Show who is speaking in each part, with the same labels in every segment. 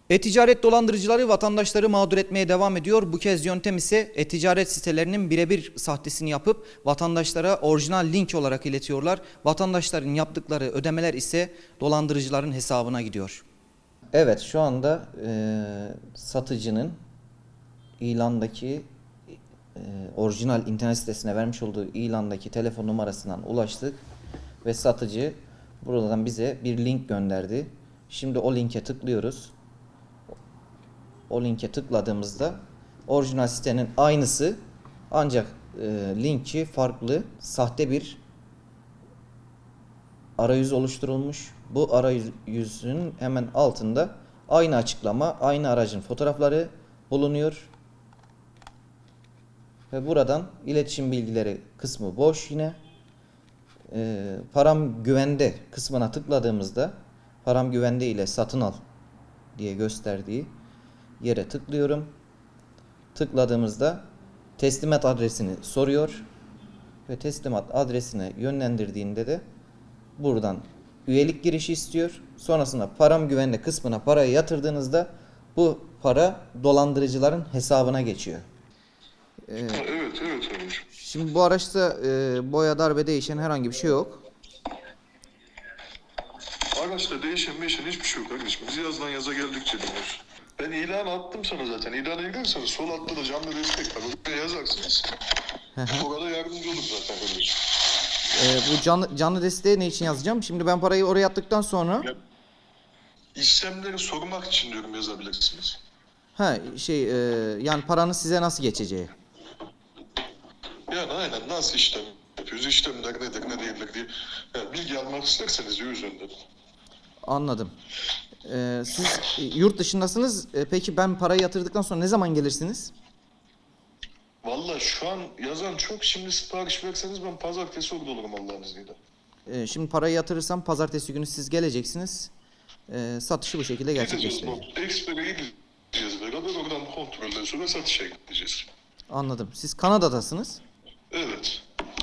Speaker 1: E-ticaret dolandırıcıları vatandaşları mağdur etmeye devam ediyor. Bu kez yöntem ise e-ticaret sitelerinin birebir sahtesini yapıp vatandaşlara orijinal link olarak iletiyorlar. Vatandaşların yaptıkları ödemeler ise dolandırıcıların hesabına gidiyor. Evet, şu anda satıcının ilandaki orijinal internet sitesine vermiş olduğu ilandaki telefon numarasından ulaştık ve satıcı buradan bize bir link gönderdi. Şimdi o linke tıklıyoruz. O linke tıkladığımızda orijinal sitenin aynısı ancak linki farklı, sahte bir arayüz oluşturulmuş. Bu arayüzün hemen altında aynı açıklama, aynı aracın fotoğrafları bulunuyor. Ve buradan iletişim bilgileri kısmı boş yine. Param güvende kısmına tıkladığımızda param güvende ile satın al diye gösterdiği yere tıklıyorum. Tıkladığımızda teslimat adresini soruyor ve teslimat adresine yönlendirdiğinde de buradan üyelik girişi istiyor. Sonrasında param güvende kısmına parayı yatırdığınızda bu para dolandırıcıların hesabına geçiyor.
Speaker 2: Evet Ömür.
Speaker 1: Şimdi bu araçta boya, darbe değişen herhangi bir şey yok.
Speaker 2: Araçta değişen hiçbir şey yok kardeşim. Biz yazdan yaza geldikçe dinliyoruz. Ben ilan attım sana zaten. İlana giderseniz sol altta da canlı destek var. Oraya yazarsınız. Orada yardımcı olur zaten kardeşim.
Speaker 1: Bu canlı desteği ne için yazacağım? Şimdi ben parayı oraya attıktan sonra
Speaker 2: İşlemleri sormak için diyorum yazabilirsiniz.
Speaker 1: yani paranın size nasıl geçeceği.
Speaker 2: Yani aynen nasıl işlem yapıyoruz, işlemler nedir ne değildir diye yani bilgi almak isterseniz o yüzden dedim.
Speaker 1: Anladım. Siz yurt dışındasınız. Peki ben parayı yatırdıktan sonra ne zaman gelirsiniz?
Speaker 2: Vallahi şu an yazan çok, şimdi sipariş verseniz ben pazartesi orada olurum Allah'ın izniyle.
Speaker 1: Şimdi parayı yatırırsam pazartesi günü siz geleceksiniz. Satışı bu şekilde gerçekleştireceğiz.
Speaker 2: Expert'e gideceğiz beraber, oradan kontrolden sonra satışa gideceğiz.
Speaker 1: Anladım. Siz Kanada'dasınız.
Speaker 2: Evet.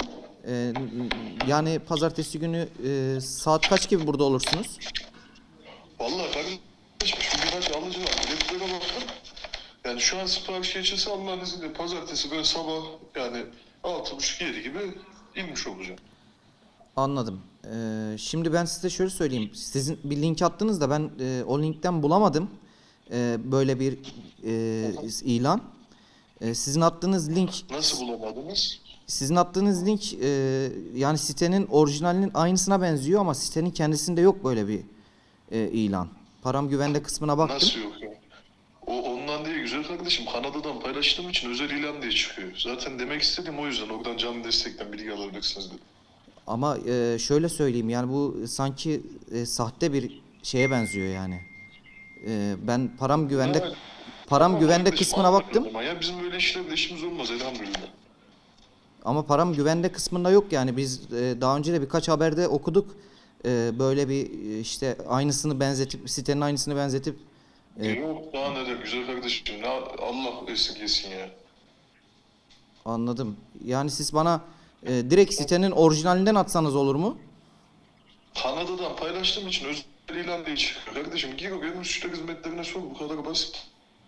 Speaker 1: Yani pazartesi günü saat kaç gibi burada olursunuz?
Speaker 2: Vallahi kardeşim şu birkaç alıcı var. Biletlere baktım. Yani şu an sipariş geçilse Allah'ın izniyle pazartesi böyle sabah yani 6.30-7 gibi inmiş olacağım.
Speaker 1: Anladım. Şimdi ben size şöyle söyleyeyim. Sizin bir link attınız da ben o linkten bulamadım. Böyle bir ilan. Sizin attığınız link...
Speaker 2: Nasıl bulamadınız?
Speaker 1: Sizin attığınız link yani sitenin orijinalinin aynısına benziyor ama sitenin kendisinde yok böyle bir ilan. Param güvende kısmına baktım.
Speaker 2: Nasıl yok ya? O ondan değil güzel kardeşim. Kanada'dan paylaştığım için özel ilan diye çıkıyor. Zaten demek istediğim o yüzden. Oradan canlı destekten bilgi alabilirsiniz dedim.
Speaker 1: Ama şöyle söyleyeyim yani bu sanki sahte bir şeye benziyor yani. Ben param güvende
Speaker 2: Evet.
Speaker 1: param güvende
Speaker 2: Kardeşim,
Speaker 1: kısmına
Speaker 2: anladım
Speaker 1: baktım.
Speaker 2: ama ya bizim böyle işlerle işimiz olmaz elhamdülillah.
Speaker 1: Ama param güvende kısmında yok yani biz daha önce de birkaç haberde okuduk. Böyle bir işte aynısını benzetip sitenin aynısını benzetip
Speaker 2: Yok daha neler güzel kardeşim. Allah esirgesin ya.
Speaker 1: anladım. Yani siz bana direkt sitenin orijinalinden atsanız olur mu?
Speaker 2: Kanada'dan paylaştığım için özel ilan diye çıkıyor. Kardeşim gir oraya müşteri hizmetlerine sor, bu kadar basit.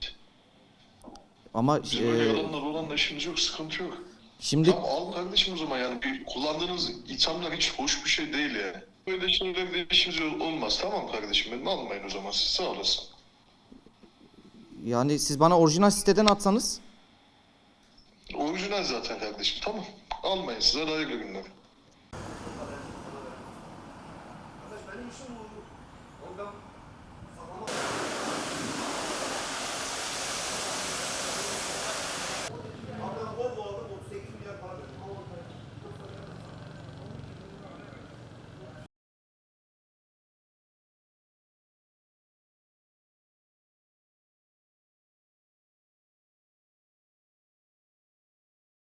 Speaker 1: Ama
Speaker 2: Bizim böyle yalanlar olanla işimiz yok, sıkıntı yok.
Speaker 1: şimdi
Speaker 2: Tamam al kardeşim o zaman, yani kullandığınız ithamlar hiç hoş bir şey değil yani. Böyle şeylerle işimiz olmaz, tamam kardeşim benim, almayın o zaman siz, sağ olasın.
Speaker 1: yani siz bana orijinal siteden atsanız
Speaker 2: Orijinal zaten kardeşim, tamam. Almayın, size hayırlı günler.
Speaker 3: Benim işim bu. Oradan